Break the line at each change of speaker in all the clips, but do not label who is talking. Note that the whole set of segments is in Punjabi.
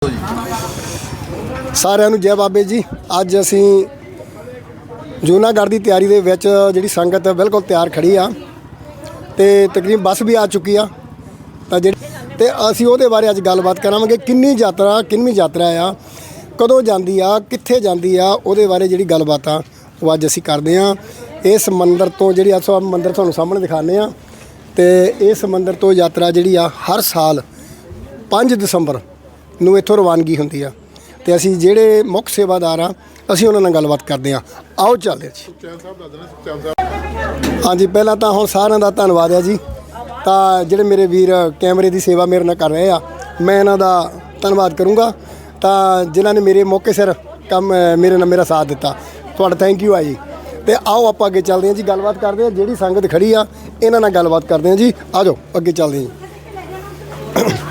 ਜੀ।
ਸਾਰਿਆਂ ਨੂੰ ਜੈ ਬਾਬੇ ਜੀ। ਅੱਜ ਅਸੀਂ ਜੂਨਾਗੜ੍ਹ ਦੀ ਤਿਆਰੀ ਦੇ ਵਿੱਚ ਜਿਹੜੀ ਸੰਗਤ ਬਿਲਕੁਲ ਤਿਆਰ ਖੜੀ ਆ ਤੇ ਤਕਰੀਬਨ ਬੱਸ ਵੀ ਆ ਚੁੱਕੀ ਆ ਤਾਂ ਜਿਹੜੀ ਤੇ ਅਸੀਂ ਉਹਦੇ ਬਾਰੇ ਅੱਜ ਗੱਲਬਾਤ ਕਰਾਂਗੇ। ਕਿੰਨੀ ਯਾਤਰਾ ਆ, ਕਦੋਂ ਜਾਂਦੀ ਆ, ਕਿੱਥੇ ਜਾਂਦੀ ਆ, ਉਹਦੇ ਬਾਰੇ ਜਿਹੜੀ ਗੱਲਬਾਤ ਆ ਉਹ ਅੱਜ ਅਸੀਂ ਕਰਦੇ ਆ। ਇਸ ਮੰਦਿਰ ਤੋਂ ਜਿਹੜੀ ਆ ਮੰਦਿਰ ਤੁਹਾਨੂੰ ਸਾਹਮਣੇ ਦਿਖਾਉਂਦੇ ਆ ਤੇ ਇਸ ਮੰਦਿਰ ਤੋਂ ਯਾਤਰਾ ਜਿਹੜੀ ਆ ਹਰ ਸਾਲ 5 ਦਸੰਬਰ ਨੂੰ ਇੱਥੋਂ ਰਵਾਨਗੀ ਹੁੰਦੀ ਆ ਤੇ ਅਸੀਂ ਜਿਹੜੇ ਮੁੱਖ ਸੇਵਾਦਾਰ ਆ ਅਸੀਂ ਉਹਨਾਂ ਨਾਲ ਗੱਲਬਾਤ ਕਰਦੇ ਆ। ਆਓ ਚੱਲਦੇ ਜੀ। ਹਾਂਜੀ, ਪਹਿਲਾਂ ਤਾਂ ਹੁਣ ਸਾਰਿਆਂ ਦਾ ਧੰਨਵਾਦ ਹੈ ਜੀ। ਤਾਂ ਜਿਹੜੇ ਮੇਰੇ ਵੀਰ ਕੈਮਰੇ ਦੀ ਸੇਵਾ ਮੇਰੇ ਨਾਲ ਕਰ ਰਹੇ ਆ, ਮੈਂ ਇਹਨਾਂ ਦਾ ਧੰਨਵਾਦ ਕਰੂੰਗਾ ਤਾਂ ਜਿਨ੍ਹਾਂ ਨੇ ਮੇਰੇ ਮੌਕੇ ਸਿਰ ਕੰਮ ਮੇਰੇ ਨਾਲ ਮੇਰਾ ਸਾਥ ਦਿੱਤਾ। ਤੁਹਾਡਾ ਥੈਂਕ ਯੂ ਆ ਜੀ। ਤੇ ਆਓ ਆਪਾਂ ਅੱਗੇ ਚੱਲਦੇ ਹਾਂ ਜੀ, ਗੱਲਬਾਤ ਕਰਦੇ ਹਾਂ। ਜਿਹੜੀ ਸੰਗਤ ਖੜੀ ਆ ਇਹਨਾਂ ਨਾਲ ਗੱਲਬਾਤ ਕਰਦੇ ਹਾਂ ਜੀ। ਆ ਜਾਓ ਅੱਗੇ ਚੱਲਦੇ ਹਾਂ ਜੀ।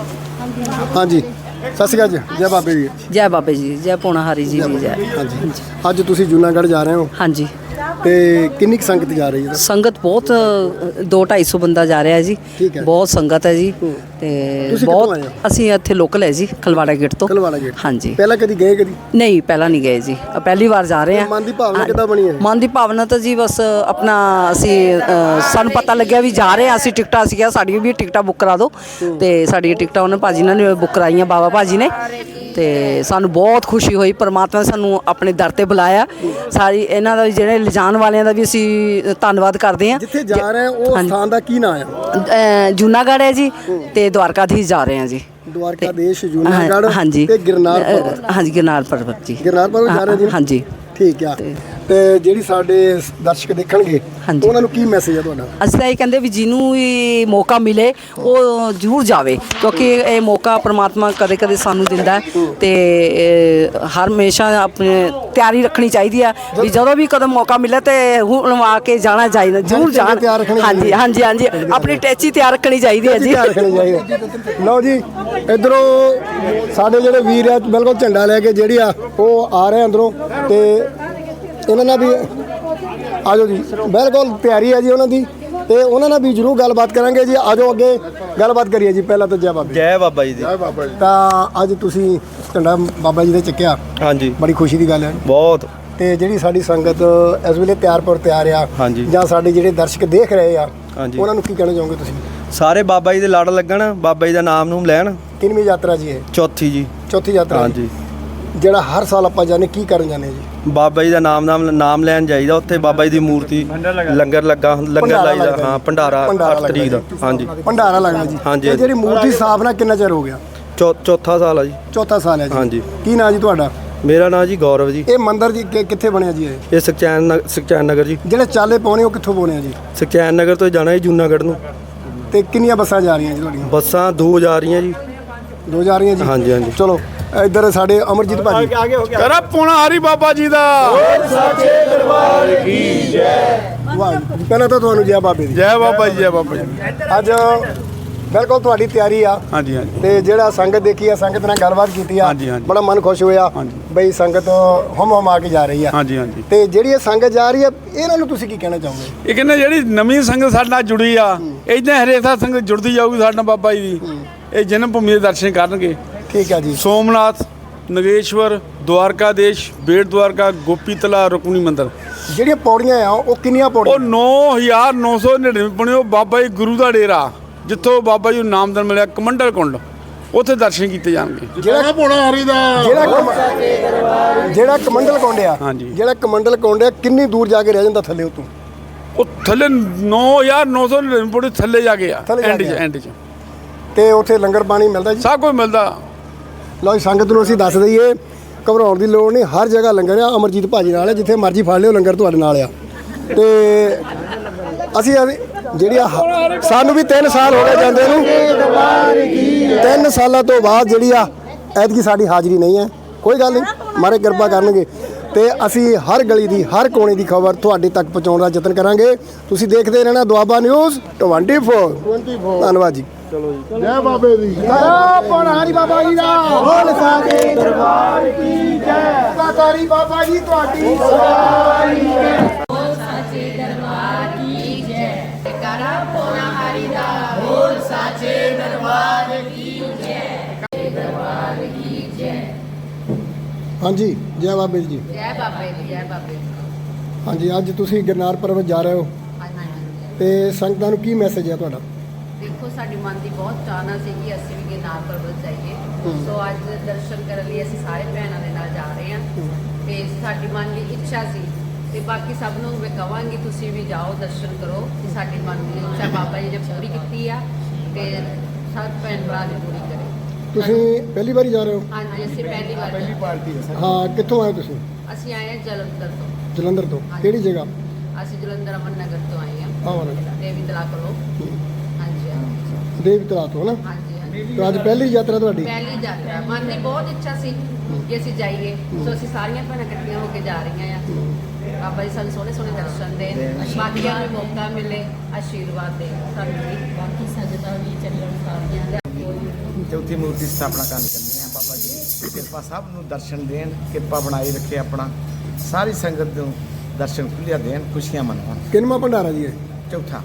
ਹਾਂਜੀ, ਸਤਿ ਸ਼੍ਰੀ ਅਕਾਲ ਜੀ। ਜੈ ਬਾਬੇ ਜੀ।
ਜੈ ਬਾਬੇ ਜੀ, ਜੈ ਪੋਣਾਹਾਰੀ ਜੀ ਦੀ ਜੈ।
ਹਾਂਜੀ, ਅੱਜ ਤੁਸੀਂ ਜੂਨਾਗੜ੍ਹ ਜਾ ਰਹੇ ਹੋ
ਹਾਂਜੀ,
ਤੇ ਕਿੰਨੀ ਕੁ ਸੰਗਤ ਜਾ ਰਹੀ ਹੈ?
ਸੰਗਤ ਬਹੁਤ 200-250 ਬੰਦਾ ਜਾ ਰਿਹਾ ਜੀ।
ਠੀਕ ਹੈ।
ਬਹੁਤ ਸੰਗਤ ਹੈ ਜੀ ਤੇ
ਤੁਸੀਂ
ਬਹੁਤ
ਕਿੱਥੋਂ ਆਏ ਹੋ?
ਅਸੀਂ ਇੱਥੇ ਲੋਕਲ ਹੈ ਜੀ, ਖਲਵਾੜਾ ਗੇਟ ਤੋਂ।
ਖਲਵਾੜਾ ਗੇਟ।
ਹਾਂਜੀ।
ਪਹਿਲਾਂ ਕਦੀ ਗਏ? ਕਦੀ
ਨਹੀਂ, ਪਹਿਲਾਂ ਨਹੀਂ ਗਏ ਜੀ, ਪਹਿਲੀ ਵਾਰ ਜਾ ਰਹੇ ਹਾਂ।
ਮਨ ਦੀ ਭਾਵਨਾ ਕਿੱਦਾਂ ਬਣੀ ਹੈ?
ਮਨ ਦੀ ਭਾਵਨਾ ਤਾਂ ਜੀ ਬਸ ਆਪਣਾ ਅਸੀਂ ਸਾਨੂੰ ਪਤਾ ਲੱਗਿਆ ਵੀ ਜਾ ਰਹੇ ਹਾਂ ਅਸੀਂ, ਟਿਕਟਾਂ ਅਸੀਂ ਕਿਹਾ ਸਾਡੀਆਂ ਵੀ ਟਿਕਟਾਂ ਬੁੱਕ ਕਰਾ ਦਿਓ ਤੇ ਸਾਡੀਆਂ ਟਿਕਟਾਂ ਉਹਨਾਂ ਭਾਜੀ ਨੇ ਬੁੱਕ ਕਰਾਈਆਂ, ਬਾਬਾ ਭਾਜੀ ਨੇ। ਤੇ ਸਾਨੂੰ ਬਹੁਤ ਖੁਸ਼ੀ ਹੋਈ, ਪਰਮਾਤਮਾ ਨੇ ਸਾਨੂੰ ਆਪਣੇ ਦਰ ਤੇ ਬੁਲਾਇਆ। ਸਾਰੀ ਇਹਨਾਂ ਦਾ ਜਿਹੜੇ ਲਿਜਾਣ ਵਾਲਿਆਂ ਦਾ ਵੀ ਅਸੀਂ ਧੰਨਵਾਦ ਕਰਦੇ ਹਾਂ।
ਜਿੱਥੇ ਜਾ ਰਹੇ ਉਹ ਸਥਾਨ ਦਾ ਕੀ ਨਾਮ ਆ?
ਜੂਨਾਗੜ੍ਹ ਹੈ ਜੀ ਤੇ ਦਵਾਰਕਾਧੀਸ਼ ਜਾ ਰਹੇ ਹਾਂ ਜੀ।
ਦਵਾਰਕਾਧੀਸ਼, ਜੂਨਾਗੜ੍ਹ
ਹਾਂਜੀ
ਤੇ ਗਿਰਨਾਰ ਪਰਬਤ।
ਹਾਂਜੀ, ਗਿਰਨਾਰ ਪਰਬਤ ਜੀ।
ਗਿਰਨਾਰ ਪਰਬਤ ਜਾ ਰਹੇ ਜੀ।
ਹਾਂਜੀ,
ਠੀਕ ਆ। ਤੇ ਜਿਹੜੀ ਸਾਡੇ ਦਰਸ਼ਕ ਦੇਖਣਗੇ ਉਹਨਾਂ ਨੂੰ ਕੀ ਮੈਸੇਜ ਆ ਤੁਹਾਡਾ?
ਅਸੀਂ ਤਾਂ ਇਹ ਕਹਿੰਦੇ ਵੀ ਜਿਹਨੂੰ ਵੀ ਮੌਕਾ ਮਿਲੇ ਉਹ ਜ਼ਰੂਰ ਜਾਵੇ, ਕਿਉਂਕਿ ਇਹ ਮੌਕਾ ਪ੍ਰਮਾਤਮਾ ਕਦੇ ਕਦੇ ਸਾਨੂੰ ਦਿੰਦਾ ਤੇ ਹਰ ਹਮੇਸ਼ਾ ਆਪਣੀ ਤਿਆਰੀ ਰੱਖਣੀ ਚਾਹੀਦੀ ਆ ਵੀ ਜਦੋਂ ਵੀ ਕਦੋਂ ਮੌਕਾ ਮਿਲੇ ਤੇ ਹੁਣ ਆ ਕੇ ਜਾਣਾ ਚਾਹੀਦਾ, ਜ਼ਰੂਰ ਜਾਣਾ। ਹਾਂਜੀ ਹਾਂਜੀ ਹਾਂਜੀ, ਆਪਣੀ ਟੈਚੀ ਤਿਆਰ ਰੱਖਣੀ ਚਾਹੀਦੀ ਹੈ ਜੀ।
ਲਓ ਜੀ, ਇੱਧਰੋਂ ਸਾਡੇ ਜਿਹੜੇ ਵੀਰ ਆ ਬਿਲਕੁਲ ਝੰਡਾ ਲੈ ਕੇ ਜਿਹੜੀ ਆ ਉਹ ਆ ਰਹੇ ਅੰਦਰੋਂ ਤੇ ਇਹਨਾਂ ਨਾਲ ਵੀ ਆ ਜਾਓ ਜੀ। ਬਿਲਕੁਲ ਤਿਆਰੀ ਹੈ ਜੀ ਉਹਨਾਂ ਦੀ ਤੇ ਉਹਨਾਂ ਨਾਲ ਵੀ ਜ਼ਰੂਰ ਗੱਲਬਾਤ ਕਰਾਂਗੇ ਜੀ। ਆ ਜਾਓ ਅੱਗੇ ਗੱਲਬਾਤ ਕਰੀਏ ਜੀ। ਪਹਿਲਾਂ ਤਾਂ ਜੈ ਬਾਬਾ।
ਜੈ ਬਾਬਾ ਜੀ ਦੀ।
ਜੈ ਬਾਬਾ ਜੀ। ਤਾਂ ਅੱਜ ਤੁਸੀਂ ਝੰਡਾ ਬਾਬਾ ਜੀ ਦੇ ਚੱਕਿਆ,
ਹਾਂਜੀ,
ਬੜੀ ਖੁਸ਼ੀ ਦੀ ਗੱਲ ਹੈ
ਬਹੁਤ।
ਤੇ ਜਿਹੜੀ ਸਾਡੀ ਸੰਗਤ ਇਸ ਵੇਲੇ ਤਿਆਰ ਆ
ਹਾਂਜੀ,
ਜਾਂ ਸਾਡੇ ਜਿਹੜੇ ਦਰਸ਼ਕ ਦੇਖ ਰਹੇ ਆ
ਹਾਂਜੀ,
ਉਹਨਾਂ ਨੂੰ ਕੀ ਕਹਿਣਾ ਚਾਹੋਗੇ ਤੁਸੀਂ?
ਸਾਰੇ ਬਾਬਾ ਜੀ ਦੇ ਲੜ ਲੱਗਣ, ਬਾਬਾ ਜੀ ਦਾ ਨਾਮ ਨੂੰ ਲੈਣ।
ਕਿੰਨਵੀਂ ਯਾਤਰਾ ਜੀ ਇਹ?
ਚੌਥੀ ਜੀ।
ਚੌਥੀ ਯਾਤਰਾ।
ਹਾਂਜੀ।
ਜਿਹੜਾ ਹਰ ਸਾਲ ਆਪਾਂ ਜਾਂਦੇ ਕੀ ਕਰਨ ਜਾਂਦੇ ਜੀ?
ਬਾਬਾ ਜੀ ਦਾ ਨਾਮ ਲੈਣ ਜਾਈਦਾ। ਉੱਥੇ ਬਾਬਾ ਜੀ ਦੀ ਮੂਰਤੀ ਲੰਗਰ ਲਾਈਦਾ। ਹਾਂ, ਭੰਡਾਰਾ 8 ਤਰੀਕ ਦਾ। ਹਾਂਜੀ,
ਭੰਡਾਰਾ ਲੱਗਦਾ ਜੀ।
ਹਾਂਜੀ।
ਜਿਹੜੀ ਮੂਰਤੀ ਸਥਾਪਨਾ ਕਿੰਨਾ ਚਿਰ ਹੋ ਗਿਆ?
ਚੌਥਾ ਸਾਲ ਆ ਜੀ।
ਚੌਥਾ ਸਾਲ ਹੈ ਜੀ।
ਹਾਂਜੀ।
ਕੀ ਨਾਂ ਜੀ ਤੁਹਾਡਾ?
ਮੇਰਾ ਨਾਂ ਜੀ ਗੌਰਵ ਜੀ।
ਇਹ ਮੰਦਿਰ ਜੀ ਕਿੱਥੇ ਬਣਿਆ ਜੀ?
ਇਹ ਸੁਖਚੈਨ ਨਗਰ ਜੀ।
ਜਿਹੜੇ ਚਾਲੇ ਪਾਉਣੇ ਉਹ ਕਿੱਥੋਂ ਪਾਉਣੇ ਆ ਜੀ?
ਸੁਖਚੈਨ ਨਗਰ ਤੋਂ ਜਾਣਾ ਜੀ ਜੂਨਾਗੜ੍ਹ ਨੂੰ।
ਤੇ ਕਿੰਨੀਆਂ ਬੱਸਾਂ ਜਾ ਰਹੀਆਂ ਜੀ ਤੁਹਾਡੀਆਂ?
ਬੱਸਾਂ 2 ਜਾ ਰਹੀਆਂ ਜੀ।
2 ਜਾ ਰਹੀਆਂ ਜੀ।
ਹਾਂਜੀ ਹਾਂਜੀ।
ਚਲੋ ਇੱਧਰ ਸਾਡੇ ਅਮਰਜੀਤ ਭਾਜੀ।
ਕਰਾ ਪੋਣਾਹਾਰੀ ਬਾਬਾ ਜੀ ਦਾ।
ਸੱਚੇ ਦਰਬਾਰ ਕੀ ਜੈ। ਵਾਹ, ਪਹਿਲਾਂ ਤਾਂ ਤੁਹਾਨੂੰ ਜੈ ਬਾਬੇ ਦੀ।
ਜੈ ਬਾਬਾ ਜੀ, ਜੈ ਬਾਬਾ ਜੀ।
ਅੱਜ ਬਿਲਕੁਲ ਤੁਹਾਡੀ ਤਿਆਰੀ ਆ।
ਹਾਂਜੀ ਹਾਂਜੀ।
ਤੇ ਜਿਹੜਾ ਸੰਗਤ ਦੇਖੀ ਆ, ਸੰਗਤ ਨਾਲ ਗੱਲਬਾਤ ਕੀਤੀ ਆ,
ਹਾਂਜੀ, ਹਾਂਜੀ।
ਬੜਾ ਮਨ ਖੁਸ਼ ਹੋਇਆ ਬਈ ਸੰਗਤ ਹਮ ਆ ਕੇ ਜਾ ਰਹੀ ਆ।
ਹਾਂਜੀ ਹਾਂਜੀ।
ਤੇ ਜਿਹੜੀ ਇਹ ਸੰਗਤ ਜਾ ਰਹੀ ਆ ਇਹਨਾਂ ਨੂੰ ਤੁਸੀਂ ਕੀ ਕਹਿਣਾ ਚਾਹੋਗੇ?
ਇਹ ਕਹਿੰਦੇ ਜਿਹੜੀ ਨਵੀਂ ਸੰਗਤ ਸਾਡੇ ਨਾਲ ਜੁੜੀ ਆ, ਇਦਾਂ ਹਰੇਕ ਸੰਗਤ ਜੁੜਦੀ ਜਾਊਗੀ ਸਾਡੇ ਨਾਲ ਬਾਬਾ ਜੀ ਦੀ। ਇਹ ਜਨਮ ਭੂਮੀ ਦੇ ਦਰਸ਼ਨ ਕਰਨਗੇ।
ਠੀਕ ਹੈ ਜੀ।
ਸੋਮਨਾਥ, ਨਗੇਸ਼ਵਰ, ਦਵਾਰਕਾਧੀਸ਼, ਬੇਟ ਦਵਾਰਕਾ, ਗੋਪੀ ਤਲਾ, ਰੁਕਮਣੀ ਮੰਦਿਰ।
ਜਿਹੜੀਆਂ ਪੌੜੀਆਂ ਆ ਉਹ ਕਿੰਨੀਆਂ ਪੌੜੀਆਂ?
ਉਹ 9999 ਪੌੜੀਆਂ। ਉਹ ਬਾਬਾ ਜੀ ਗੁਰੂ ਦਾ ਡੇਰਾ, ਜਿੱਥੋਂ ਬਾਬਾ ਜੀ ਨੂੰ ਨਾਮਦਾਨ ਮਿਲਿਆ, ਕਮੰਡਲ ਕੁੰਡ, ਉੱਥੇ ਦਰਸ਼ਨ ਕੀਤੇ ਜਾਣਗੇ।
ਜਿਹੜਾ ਪੋਣਾਹਾਰੀ ਦਾ ਜਿਹੜਾ ਕਮੰਡਲ ਕੁੰਡ ਆ,
ਹਾਂਜੀ,
ਜਿਹੜਾ ਕਮੰਡਲ ਕੁੰਡ ਆ ਕਿੰਨੀ ਦੂਰ ਜਾ ਕੇ ਰਹਿ ਜਾਂਦਾ ਥੱਲੇ? ਉਤੋਂ
ਉਹ ਥੱਲੇ 9999 ਪੌੜੀ ਥੱਲੇ ਜਾ ਕੇ ਆ, ਐਂਡ 'ਚ।
ਤੇ ਉੱਥੇ ਲੰਗਰ ਪਾਣੀ ਮਿਲਦਾ ਜੀ?
ਸਭ ਕੁਝ ਮਿਲਦਾ।
ਲਓ ਜੀ, ਸੰਗਤ ਨੂੰ ਅਸੀਂ ਦੱਸ ਦਈਏ, ਘਬਰਾਉਣ ਦੀ ਲੋੜ ਨਹੀਂ, ਹਰ ਜਗ੍ਹਾ ਲੰਗਰ ਆ। ਅਮਰਜੀਤ ਭਾਜੀ ਨਾਲ ਹੈ, ਜਿੱਥੇ ਮਰਜ਼ੀ ਫੜ ਲਿਓ, ਲੰਗਰ ਤੁਹਾਡੇ ਨਾਲ ਆ। ਤੇ ਅਸੀਂ ਜਿਹੜੀ ਸਾਨੂੰ ਵੀ 3 ਸਾਲ ਹੋ ਗਏ ਜਾਂਦੇ ਨੂੰ। 3 ਸਾਲਾਂ ਤੋਂ ਬਾਅਦ ਜਿਹੜੀ ਆ ਐਤਕੀ ਸਾਡੀ ਹਾਜ਼ਰੀ ਨਹੀਂ ਹੈ। ਕੋਈ ਗੱਲ ਨਹੀਂ, ਮਾਰੇ ਕਿਰਪਾ ਕਰਨਗੇ ਤੇ ਅਸੀਂ ਹਰ ਗਲੀ ਦੀ, ਹਰ ਕੋਨੇ ਦੀ ਖਬਰ ਤੁਹਾਡੇ ਤੱਕ ਪਹੁੰਚਾਉਣ ਦਾ ਯਤਨ ਕਰਾਂਗੇ। ਤੁਸੀਂ ਦੇਖਦੇ ਰਹਿਣਾ ਦੁਆਬਾ ਨਿਊਜ਼ 24। ਧੰਨਵਾਦ ਜੀ। ਚਲੋ ਜੀ। ਜੈ ਬਾਬੇ ਦੀ। ਜੈ ਪੋਣਾਹਾਰੀ ਬਾਬਾ ਜੀ ਦਾ। ਬੋਲ ਸਾਚੇ ਦਰਬਾਰ ਕੀ ਜੈ। ਸਾਕਾਰੀ ਬਾਬਾ ਜੀ ਤੁਹਾਡੀ ਸਵਾਰੀ ਜੈ। ਬੋਲ ਸਾਚੇ ਦਰਬਾਰ ਕੀ ਜੈ। ਕਰਾ ਪੋਣਾਹਾਰੀ ਦਾ। ਬੋਲ ਸਾਚੇ ਦਰਬਾਰ ਕੀ ਜੈ। ਦਰਬਾਰ ਕੀ ਹਾਂਜੀ ਜੈ ਬਾਬੇ ਜੀ।
ਜੈ ਬਾਬੇ ਦੀ, ਜੈ ਬਾਬੇ ਦੀ।
ਹਾਂਜੀ ਅੱਜ ਤੁਸੀਂ ਗਿਰਨਾਰ ਪਰਬਤ ਜਾ ਰਹੇ ਹੋ
ਹਾਂਜੀ।
ਤੇ ਸੰਗਤਾਂ ਨੂੰ ਕੀ ਮੈਸੇਜ ਹੈ ਤੁਹਾਡਾ?
ਦੇਖੋ ਸਾਡੀ ਮਨ ਦੀ ਬਹੁਤ ਚਾਹਨਾ ਸੀ ਕਿ ਅਸੀਂ ਵੀ ਗਿਰਨਾਰ ਪਰਬਤ ਜਾਈਏ। ਸੋ ਅੱਜ ਦਰਸ਼ਨ ਕਰਨ ਲਈ ਅਸੀਂ ਸਾਰੇ ਭੈਣਾਂ ਦੇ ਨਾਲ ਜਾ ਰਹੇ ਹਾਂ ਤੇ ਸਾਡੀ ਮਨ ਦੀ ਇੱਛਾ ਸੀ ਤੇ ਬਾਕੀ ਸਭ ਨੂੰ ਮੈਂ ਕਹਾਂਗੀ ਤੁਸੀਂ ਵੀ ਜਾਓ ਦਰਸ਼ਨ ਕਰੋ ਕਿ ਸਾਡੀ ਮਨ ਦੀ ਇੱਛਾ ਬਾਬਾ ਜੀ ਨੇ ਪੂਰੀ ਕੀਤੀ ਆ ਤੇ ਸਭ ਭੈਣ ਭਰਾ ਨੇ ਪੂਰੀ ਕਰੇ।
ਤੁਸੀਂ ਪਹਿਲੀ ਵਾਰੀ ਜਾ ਰਹੇ ਹੋ?
ਹਾਂਜੀ ਅਸੀਂ ਪਹਿਲੀ ਵਾਰ
ਪਾਰਟੀ ਹੈ
ਹਾਂ ਕਿੱਥੋਂ ਆਏ ਤੁਸੀਂ?
ਅਸੀਂ ਆਏ ਹਾਂ ਜਲੰਧਰ ਤੋਂ।
ਜਲੰਧਰ ਤੋਂ
ਹਾਂਜੀ।
ਕਿਹੜੀ ਜਗ੍ਹਾ?
ਅਸੀਂ ਜਲੰਧਰ ਅਮਨ ਨਗਰ ਤੋਂ ਆਏ ਹਾਂ
ਆਵਰ
ਦੇਵੀ ਤਲਾ ਕੋਲੋਂ। ਹਾਂਜੀ ਹਾਂਜੀ
ਦੇਵ ਤਲਾ ਤੋਂ ਨਾ।
ਹਾਂਜੀ
ਤਾਂ ਅੱਜ ਪਹਿਲੀ ਯਾਤਰਾ ਤੁਹਾਡੀ?
ਪਹਿਲੀ ਯਾਤਰਾ ਮਨ ਦੀ ਬਹੁਤ ਇੱਛਾ ਸੀ ਕਿ ਅਸੀਂ ਜਾਈਏ। ਸੋ ਅਸੀਂ ਸਾਰੀਆਂ ਭੈਣਾਂ ਇਕੱਠੀਆਂ ਹੋ ਕੇ ਜਾ ਰਹੀਆਂ ਆ। ਬਾਬਾ ਜੀ ਸਾਨੂੰ ਸੋਹਣੇ ਸੋਹਣੇ ਦਰਸ਼ਨ ਦੇਣ, ਬਾਕੀਆਂ ਨੂੰ ਮੌਕਾ ਮਿਲੇ, ਆਸ਼ੀਰਵਾਦ ਦੇ ਸਾਨੂੰ ਵੀ, ਬਾਕੀ ਸੰਗਤਾਂ ਵੀ ਚੱਲਣ ਸਾਰੀਆਂ।
ਚੌਥੀ ਮੂਰਤੀ ਸਥਾਪਨਾ ਕਰਨ ਚੱਲੇ ਹਾਂ। ਬਾਬਾ ਜੀ ਕਿਰਪਾ ਸਭ ਨੂੰ ਦਰਸ਼ਨ ਦੇਣ, ਕਿਰਪਾ ਬਣਾਈ ਰੱਖੇ ਆਪਣਾ, ਸਾਰੀ ਸੰਗਤ ਨੂੰ ਦਰਸ਼ਨ ਖੁੱਲ੍ਹਿਆ ਦੇਣ, ਖੁਸ਼ੀਆਂ ਮਨਾਉਣ।
ਕਿੰਨਵਾਂ ਭੰਡਾਰਾ ਜੀ ਹੈ?
ਚੌਥਾ।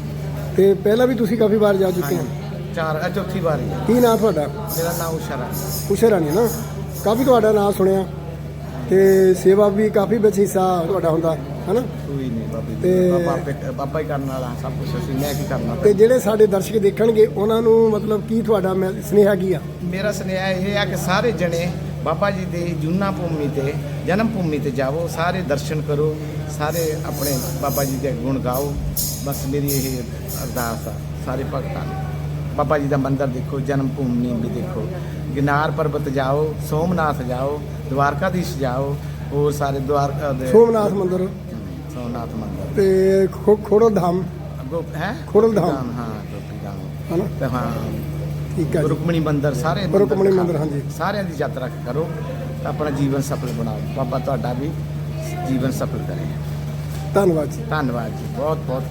ਤੇ ਪਹਿਲਾਂ ਵੀ ਤੁਸੀਂ ਕਾਫੀ ਵਾਰ ਜਾ ਚੁੱਕੇ ਹੋ?
ਚੌਥੀ ਵਾਰੀ ਹੈ।
ਕੀ ਨਾਮ ਤੁਹਾਡਾ?
ਮੇਰਾ ਨਾਮ ਉਸ਼ਾ ਰਾਣੀ।
ਉਸ਼ਾ ਰਾਣੀ ਨਾ। ਕਾਫੀ ਤੁਹਾਡਾ ਨਾਮ ਸੁਣਿਆ ਤੇ ਸੇਵਾ ਵੀ ਕਾਫੀ ਵਿੱਚ ਹਿੱਸਾ ਤੁਹਾਡਾ ਹੁੰਦਾ ਹੈ ਨਾ?
ਕੋਈ ਨਹੀਂ ਬਾਬਾ
ਤੇ
ਜੀ, ਬਾਬਾ ਹੀ ਕਰਨ ਵਾਲਾ ਸਭ ਕੁਝ, ਅਸੀਂ ਮੈਂ ਕੀ ਕਰਨਾ।
ਤੇ ਜਿਹੜੇ ਸਾਡੇ ਦਰਸ਼ਕ ਦੇਖਣਗੇ ਉਹਨਾਂ ਨੂੰ ਮਤਲਬ ਕੀ ਤੁਹਾਡਾ ਸੁਨੇਹਾ ਕੀ ਆ?
ਮੇਰਾ ਸੁਨੇਹਾ ਇਹ ਆ ਕਿ ਸਾਰੇ ਜਣੇ ਬਾਬਾ ਜੀ ਦੇ ਜੂਨਾ ਭੂਮੀ ਤੇ, ਜਨਮ ਭੂਮੀ ਤੇ ਜਾਵੋ, ਸਾਰੇ ਦਰਸ਼ਨ ਕਰੋ, ਸਾਰੇ ਆਪਣੇ ਬਾਬਾ ਜੀ ਦੇ ਗੁਣ ਗਾਓ। ਬਸ ਮੇਰੀ ਇਹ ਅਰਦਾਸ ਆ ਸਾਰੇ ਭਗਤਾਂ ਨੂੰ। ਬਾਬਾ ਜੀ ਦਾ ਮੰਦਿਰ ਦੇਖੋ, ਜਨਮ ਭੂਮੀ ਵੀ ਦੇਖੋ, ਗਿਰਨਾਰ ਪਰਬਤ ਜਾਓ, ਸੋਮਨਾਥ ਜਾਓ, ਦਵਾਰਕਾਧੀਸ਼ ਜਾਓ, ਹੋਰ ਸਾਰੇ
ਸੋਮਨਾਥ ਮੰਦਿਰ
ਸੋਮਨਾਥ ਮੰਦਿਰ
ਤੇ ਖੋੜਲ ਧਾਮ
ਹੈ,
ਖੋੜਲ ਧਾਮ
ਹਾਂ ਗੋਪੀ ਧਾਮ
ਹੈ ਨਾ?
ਤੇ ਹਾਂ
ਠੀਕ ਹੈ ਜੀ।
ਰੁਕਮਣੀ ਮੰਦਿਰ, ਸਾਰੇ
ਰੁਕਮਣੀ ਮੰਦਿਰ, ਹਾਂਜੀ।
ਸਾਰਿਆਂ ਦੀ ਯਾਤਰਾ ਕਰੋ ਤਾਂ ਆਪਣਾ ਜੀਵਨ ਸਫਲ ਬਣਾਓ। ਬਾਬਾ ਤੁਹਾਡਾ ਵੀ ਜੀਵਨ ਸਫਲ ਕਰੇ।
ਧੰਨਵਾਦ ਜੀ।
ਧੰਨਵਾਦ ਜੀ, ਬਹੁਤ ਬਹੁਤ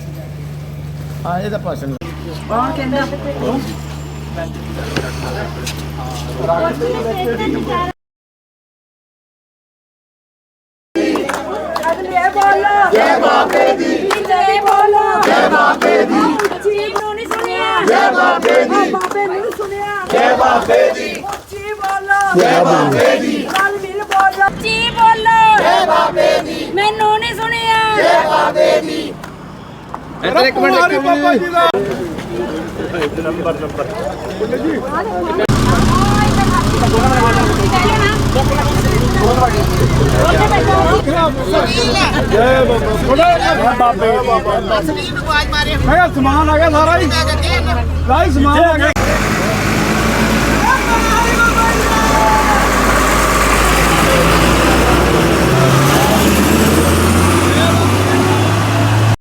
ਕਿਰਪਾ। ਆ ਇਹਦਾ ਭਾਸ਼ਣ
ਕੌਣ ਕਹਿੰਦਾ?
ਜੈ ਬਾਬੇ ਦੀ, ਜੈ ਬੋਲੋ, ਜੈ ਬਾਬੇ ਦੀ। ਚੀਬ ਨੂੰ ਨਹੀਂ ਸੁਣਿਆ, ਜੈ ਬਾਬੇ ਦੀ। ਬਾਬੇ ਨੂੰ ਸੁਣਿਆ, ਜੈ ਬਾਬੇ ਦੀ। ਚੀਬ ਬੋਲੋ, ਜੈ ਬਾਬੇ ਦੀ। ਨਾਲ ਮਿਲ ਬੋਲੋ, ਚੀਬ ਬੋਲੋ, ਜੈ ਬਾਬੇ ਦੀ। ਮੈਨੂੰ ਨਹੀਂ ਸੁਣਿਆ, ਜੈ ਬਾਬੇ ਦੀ।
ਇੱਕ ਮਿੰਟ ਬਾਬਾ ਜੀ ਦਾ ਜੈ ਬਾਬਾ ਬਾਬੇ ਮੈਂ ਸਮਾਨ ਆ ਗਿਆ ਸਾਰਾ ਹੀ, ਸਮਾਨ ਆ ਗਿਆ।